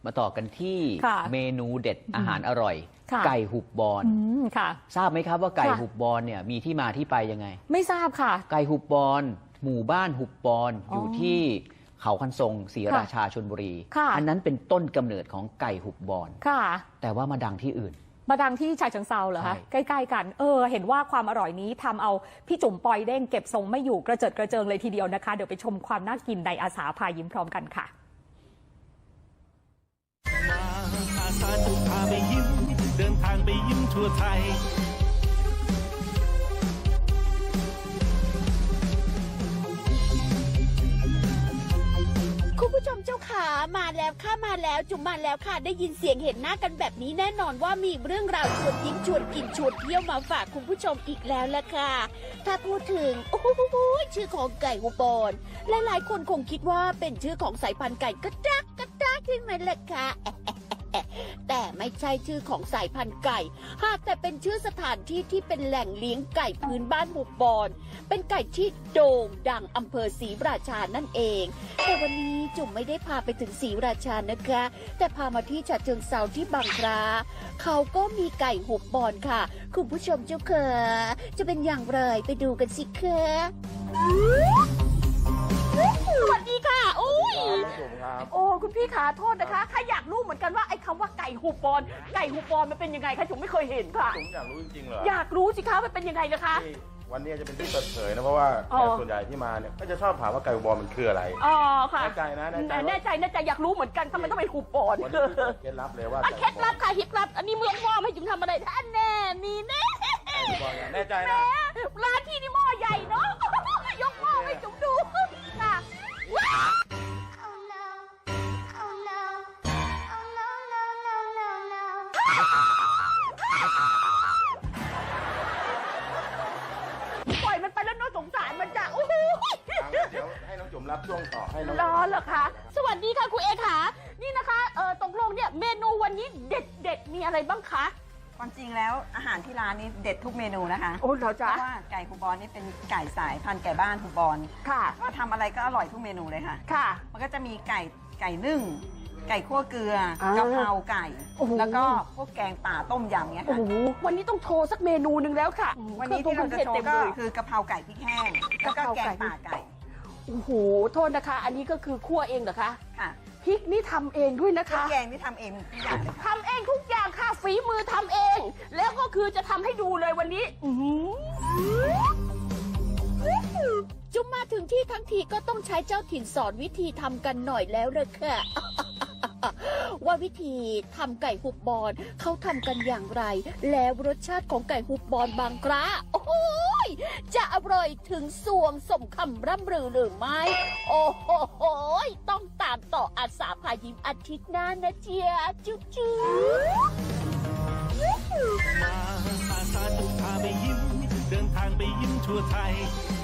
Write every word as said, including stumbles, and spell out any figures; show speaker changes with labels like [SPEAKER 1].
[SPEAKER 1] มาต่อกันที่เมนูเด็ดอาหารอร่อยไก่หุบบอนทราบไหมครับว่าไก่หุบบอนเนี่ยมีที่มาที่ไปยังไง
[SPEAKER 2] ไม่ทราบค่ะ
[SPEAKER 1] ไก่หุบบอนหมู่บ้านหุบบอนอยู่ที่เขาคันทรงศรีราชาชลบุรีอันนั้นเป็นต้นกำเนิดของไก่หุบบอนแต่ว่ามาดังที่อื่น
[SPEAKER 2] มาดังที่ฉะเชิงเทราเหรอคะใกล้ๆกันเออเห็นว่าความอร่อยนี้ทำเอาพี่จุ๋มปอยเด้งเก็บทรงไม่อยู่กระเจิดกระเจิงเลยทีเดียวนะคะเดี๋ยวไปชมความน่ากินในอาสาพายิ้มพร้อมกันค่ะ
[SPEAKER 3] อาสาจะพาไปยิ้มเดินทางไปยิ้มทั่วไทย
[SPEAKER 4] คุณผู้ชมเจ้าขามาแล้วค่ะมาแล้วจุ๋มมาแล้วค่ะได้ยินเสียงเห็นหน้ากันแบบนี้แน่นอนว่ามีเรื่องราวชวนยิ้มชวนกินชวนเที่ยวมาฝากคุณผู้ชมอีกแล้วละค่ะถ้าพูดถึงโอ้โหชื่อของไก่หุบบอนหลายๆคนคงคิดว่าเป็นชื่อของสายพันธุ์ไก่กระดักกระดักใช่ไหมล่ะคะแต่ไม่ใช่ชื่อของสายพันธุ์ไก่หากแต่เป็นชื่อสถานที่ที่เป็นแหล่งเลี้ยงไก่พื้นบ้านหุบบอนเป็นไก่ที่โด่งดังอำเภอศรีราชานั่นเองแต่วันนี้จุ๋มไม่ได้พาไปถึงศรีราชานะคะแต่พามาที่ฉะเชิงเทราที่บางพระเขาก็มีไก่หุบบอนค่ะคุณผู้ชมเจ้าค่ะจะเป็นอย่างไรไปดูกันสิคะสวัสดีค่ะโอ้ยโอ้คุณพี่ขาโทษนะคะข้าอยากรู้เหมือนกันว่าไอ้คำว่าไก่หุบบอนไก่หุบบอนมันเป็นยังไงคะจุ๋มไม่เคยเห็นค่ะ
[SPEAKER 5] จุ๋มอยากรู้จริงๆเหรอ
[SPEAKER 4] อยากรู้สิคะมันเป็นยังไงนะคะ
[SPEAKER 5] วันนี้จะเป็นที่เปิดเผยนะเพราะว่าแขกส่วนใหญ่ที่มาเนี่ยก็จะชอบถามว่าไก่หุบบอนมันคืออะไร
[SPEAKER 4] อ๋อค่ะ
[SPEAKER 5] แน่ใจนะแน่ใจ
[SPEAKER 4] แน่ใจแน่ใจอยากรู้เหมือนกันทำไมต้องเป็นหุบบอน
[SPEAKER 5] วันนี้เคล็ดลับเลยว่า
[SPEAKER 4] เคล็ดลับค่ะเคล็ดลับอันนี้เมืองหม้อให้จุ๋มทำอะไรท่านแน่มีแน่
[SPEAKER 5] แน่ใจนะ
[SPEAKER 4] ร้านที่นี่หม้อใหญ่เนาะยกหม้อให้จุ๋มดูค่ะปล่อยมันไปแล้วน้องสงสารมันจะโอ้โห
[SPEAKER 5] เดี๋ยวให้น้องจุ๋มรับช่วงต่อให้น้อง
[SPEAKER 4] รอเหรอคะสวัสดีค่ะคุณเอค่ะนี่นะคะเออตกลงเนี่ยเมนูวันนี้เด็ดเด็ดมีอะไรบ้างคะ
[SPEAKER 6] ความจริงแล้วอาหารที่ร้านนี้เด็ดทุกเมนูนะคะ
[SPEAKER 4] โอ้เหรอจ๊ะ
[SPEAKER 6] เพราะว่าไก่หุบบอนนี่เป็นไก่สายพันธุ์ไก่บ้านหุบบอน
[SPEAKER 4] ค่ะ
[SPEAKER 6] ก็ทำอะไรก็อร่อยทุกเมนูเลยค่ะ
[SPEAKER 4] ค่ะ
[SPEAKER 6] มันก็จะมีไก่ไก่นึ่งไก่คั่วเกลือกะเพราไก่แล้วก็พวกแกงป่าต้มยำเงี้ยค่ะ
[SPEAKER 4] วันนี้ต้องโชว์สักเมนูหนึ่งแล้วค่ะ
[SPEAKER 6] วันนี้ที่เราจะโชว์ก็คือกะเพราไก่พริกแห้งแล้วก็แกงป่าไก่
[SPEAKER 4] โอ้โหโทษนะคะอันนี้ก็คือคั่วเองเหรอคะ
[SPEAKER 6] ค่ะ
[SPEAKER 4] พริกนี่ทำเองด้วยนะคะ
[SPEAKER 6] แกงนี่ทำเองทุกอย่าง
[SPEAKER 4] ทำเองทุกอย่างค่ะฝีมือทำเองแล้วก็คือจะทำให้ดูเลยวันนี้จุ๊มมาถึงที่ทั้งทีก็ต้องใช้เจ้าถิ่นสอนวิธีทำกันหน่อยแล้วเลยค่ะว่าวิธีทำไก่หุบบอนเขาทำกันอย่างไรแล้วรสชาติของไก่หุบบอนบางกระโอ้ยจะอร่อยถึงสวงสมคำร่ำลือหรือไม่โอ้โหต้องตามต่ออาสาพายิ้มอาทิตย์หน้านะเจียจุ๊บจุ๊บ
[SPEAKER 3] มาอาสาจะพาไปยิ้มเดินทางไปยิ้มทั่วไทย